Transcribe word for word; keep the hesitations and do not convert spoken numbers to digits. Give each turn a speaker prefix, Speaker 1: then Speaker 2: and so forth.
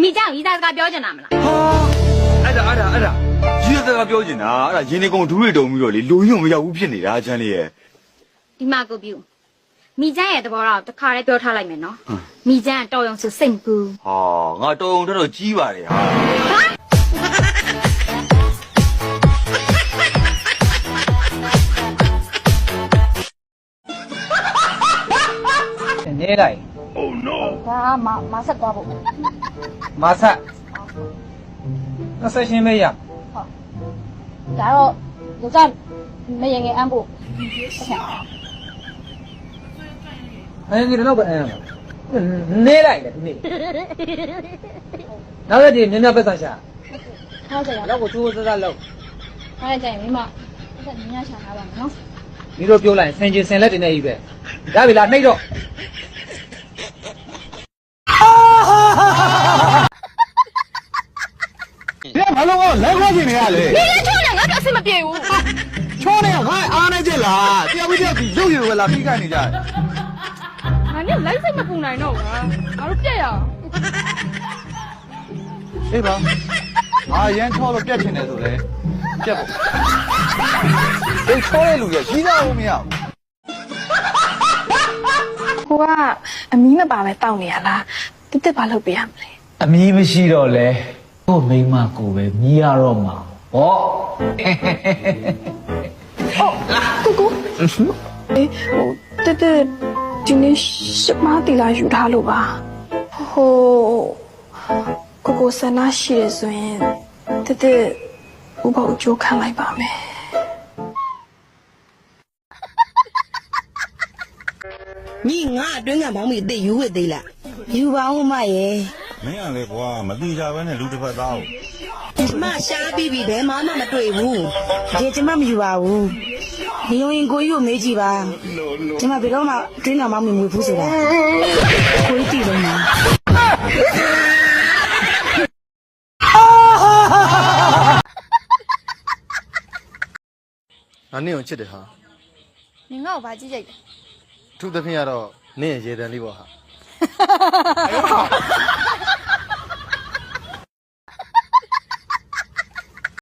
Speaker 1: မိကြောင်ရီသားစကားပြောချင်တာမလားဟာ
Speaker 2: အဲ့ဒါအဲ့ဒါအဲ့ဒါရီသားစကားပြောချင်တာအဲ့ဒါရင်းနေကုန်ဒူးတွေတုံပြီးတော့လေလူကြီးမရောက်ဘူးဖြစ်နေတာချမ်းလေးရဲ့
Speaker 1: ဒီမှာကိုပြူမိကျန်းရဲ့သဘောတော့တစ်ခါတည်းပြောထားလိုက်မယ်နော်မိကျန်းကတော်ရုံဆိုစိတ်ကူ
Speaker 2: ဟာငါတော်ုံတော်တော်ကြီးပါတယ်ဟာ
Speaker 3: နေလိုက်
Speaker 2: Oh no
Speaker 1: ဒါမမဆက်သွားဖို့
Speaker 3: မဆက်那ဆက်ရှင်းမေးရ
Speaker 1: ဟုတ်ဒါတော့လူကမရင်ငယ်အမ်းဖို့
Speaker 3: အဲ့ဒီတော့ပဲအမ်းနေလိုက်လေဒီနေ့နောက်ရက်ဒီမြင်းမြတ်ပတ်ဆံရှာ
Speaker 1: ဟုတ်ကဲ့
Speaker 3: တော့ကိုချိုးစစလောက်
Speaker 1: အဲ့ဒါကြရင်မိမဆက်မြင်းရရှာထားပါမယ်နော်
Speaker 3: ဒီလိုပြောလိုက်ဆင်ချင်းဆင်လက်တင်နေပြီပဲရပြီလားနှိပ်တော့
Speaker 2: ဒီဘာလို့လဲခွာနေရလဲ
Speaker 1: 你连抽两个表示没别无。
Speaker 2: ချောနေငါအားနေကြလားတရားပြီးတရားပြီးရုပ်ရည်ဝလာပြီးခိုင်းနေကြ
Speaker 1: 俺你来什么不来弄啊？俺都别呀。
Speaker 2: အေးပါငါရမ်းချောလို့ပြက်ချင်တယ်ဆိုလေပြက်ပေါ့ဒီချောတဲ့လူကြီးကြီးသားဦးမရ
Speaker 4: ဟိုကအမီးမပါပဲတောက်နေရလားတစ်တစ်ဘာလုပ်ပေးရမလဲ
Speaker 5: အမီးမရှိတော့လဲကို့မိမကိုပဲမြည်ရတော့မှာဟော
Speaker 4: ကိုကိုအေးဟိုတစ်တစ်ဒီနေ့ရှမတီလာယူထားလို့ပါဟိုကိုကိုဆန္ဒရှိရဆိုရင်တစ်တစ်ဥပ္ပအကျိုးခံလိုက်ပါမယ်
Speaker 6: ညီငါအတွင်းကမောင်မီအစ်ယူဝစ်သေးလားယူပါဦးမရဲ့
Speaker 7: မင်းကလေကွာမတိကြပဲနဲ့လူတစ်ဖက်သား
Speaker 6: ကိုမရှားပြီးပြီဘယ်မှမတွေ့ဘူးဒီကျမမယူပါဘူးဒီရင်ကိုကြီးကိုမေးကြည့်ပါကျမဘယ်တော့မှအတွင်းကမောင်မီမွေဘူးဆိုတာကိုကြီးတည်လုံးလား
Speaker 8: ငါနင့်ကိုချစ်တယ်ဟာ
Speaker 1: 你我把鸡姐。
Speaker 8: သူ့သဖြင့်ကတော့နင့်ရဲ့ရေတံလေးပေါ့ဟာ